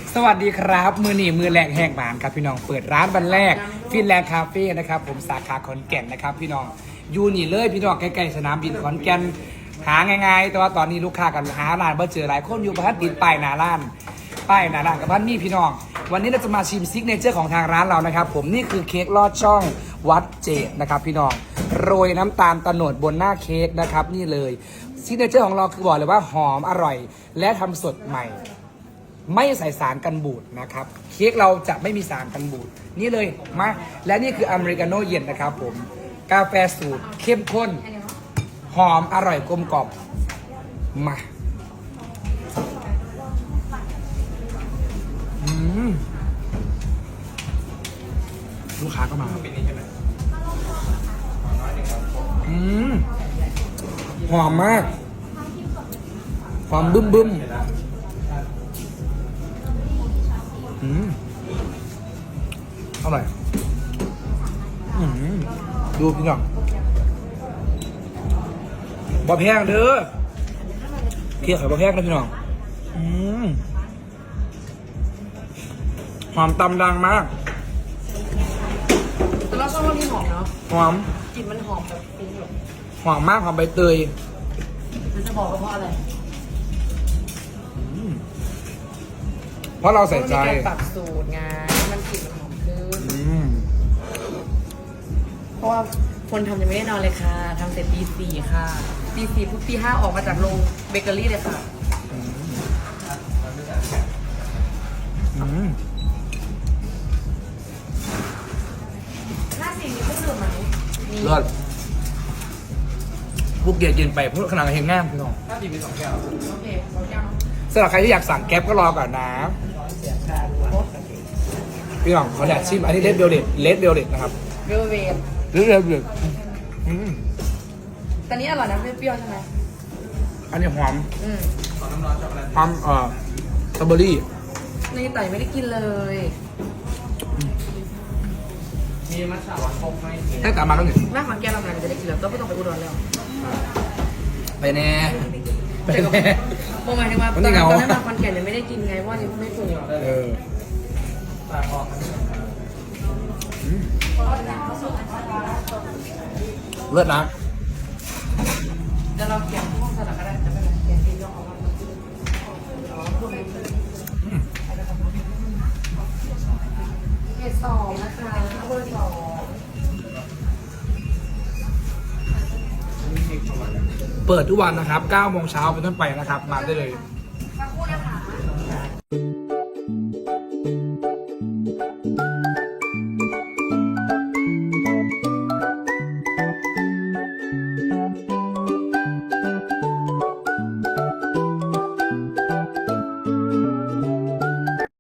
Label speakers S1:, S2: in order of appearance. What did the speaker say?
S1: สวัสดีครับมือหนีมือแรกแห่งบ้านครับพี่น้องเปิดร้านวันแรกฟินแลนด์คาเฟ่นะครับผมสาขาขอนแก่นนะครับพี่น้องอยู่นี่เลยพี่น้องใกล้ๆสนามบินขอนแก่นหาง่ายๆแต่ว่าตอนนี้ลูกค้ากันหาร้านเบอร์เจอหลายคนอยู่ประทัดติดป้ายหน้าร้านกับบ้านนี่พี่น้องวันนี้เราจะมาชิมซิกเนเจอร์ของทางร้านเรานะครับผมนี่คือเค้กลอดช่องวัดเจดนะครับพี่น้องโรยน้ำตาลตะโนดบนหน้าเค้กนะครับนี่เลยซิกเนเจอร์ของเราคือบอกเลยว่าหอมอร่อยและทำสดใหม่ไม่ใส่สารกันบูดนะครับเค้กเราจะไม่มีสารกันบูดนี่เลยมาและนี่คืออเมริกาโน่เย็นนะครับผมกาแฟสูตรเข้มข้นหอมอร่อยกลมกล่อมมาลูกค้าก็มาหอมมากหอมบึ้มอร่อยดูพี่น้องบะแพงเด้อเคี่ยวไข่บะแพงนะพี่น้องหอมตำดังมาก
S2: แต่เราชอบรสที่หอมเนาะ
S1: หอม
S2: กลิ่นมันหอมแบบฟุ้งแบบ
S1: หอมมากหอมใบเตย
S2: จะบอกว่าเพราะอะไร
S1: เพราะเราใส่ใจ
S2: การปรับสูตรไงมันกลิ่นมันหอมขึ้นเพราะว่าคนทำยังไม่ได้นอนเลยค่ะทำเสร็จตี 4ค่ะตี 4ปุ๊บตี 5ออกมาจากโรงเบเกอรี่เลยค่ะหน้าสีมีเครื่องดื่มไหม
S1: เลิศพวกเกียร์กินไปพวกขนาดเห็นง่ามพี่น้อง
S2: ถ้าดีมี2 แก้วโอเค2 แก้ว
S1: สำหรับใครที่อยากสั่งแก๊ปก็รอก่อนนะพี่น้องเขาแดดชิมอันนี้เลดเบลเด็ดนะครับ
S2: เวลเวท
S1: เลดเบลเด็ด
S2: ตอนนี้อร่อยนะเปรี้ยวใช่ไหม
S1: อันนี้หอมหอมสตรอเบอรี่
S2: นี่ไต่ไม่ได้กินเลยมีมัทฉะหวานคงไหม
S1: ให้กลับมาแล้วนี่
S2: แม่ขอนแก่นเราจะได้กินแล้วก็ไม่ต้องไปอุดรแล้ว
S1: ไปแน่
S2: โมหมายถึงว่าตอนนั้นมาขอนแก่นเนี่ยไม่ได้กินไงเพราะยังไม่ปรุง
S1: เลิศนะ
S2: เดี๋ยวเราเขียนที่ห้องสลักก็ได้จะเป็นเขียนที่ยกเอามาเขต 2นะคะเบอร์ 2
S1: เปิดทุกวันนะครับ9 โมงเช้าเป็นต้นไปนะครับมาได้เลย